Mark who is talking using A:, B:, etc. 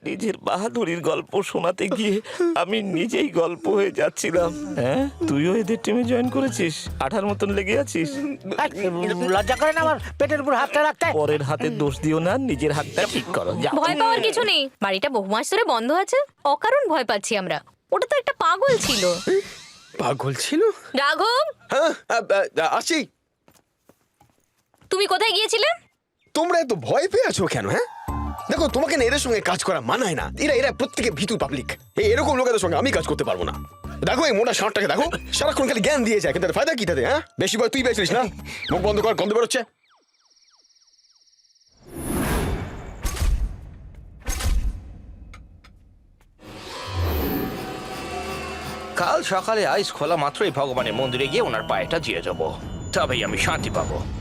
A: নিজের বাহাদুরির গল্প শোনাতে গিয়ে আমি নিজেই গল্প হয়ে যাচ্ছিলাম। হ্যাঁ, তুইও এদের টিমে জয়েন করেছিস? আঠার মতন লেগে আছিস।
B: লজ্জা করে না আমার পেটের উপর হাতটা রাখতে?
A: পরের হাতের দোষ দিও না, নিজের হাতটা ঠিক করো। যাও।
C: ভয় পাওয়ার কিছু নেই, বাড়িটা বহু মাস ধরে বন্ধ আছে, অকারণ ভয় পাচ্ছি আমরা। ওটা তো একটা পাগল ছিল।
D: পাগল ছিল?
C: রাঘব,
D: হ্যাঁ, আসি।
C: তুমি কোথায় গিয়েছিলে?
D: তোমরা এত ভয় পেয়ে আছো কেন? হ্যাঁ, দেখো, তোমাকে না এদের সঙ্গে কাজ করা মানায় না। এরা প্রত্যেকে ভীতু পাবলিক। এরকম লোকেদের সঙ্গে আমি কাজ করতে পারবো না। দেখো এই মোটা ষাঁড়টাকে দেখো, সারাক্ষণ খালি জ্ঞান দিয়ে যায়, কিন্তু তার ফায়দা কি তাতে? হ্যাঁ, বেশি ভয় তুই পেয়েছিস না? মুখ বন্ধ কর, গন্ধ বেরোচ্ছে।
E: কাল সকালে আইস খোলা মাত্রই ভগবানের মন্দিরে গিয়ে ওনার পায়েটা দিয়ে যাবো, তবেই আমি শান্তি পাবো।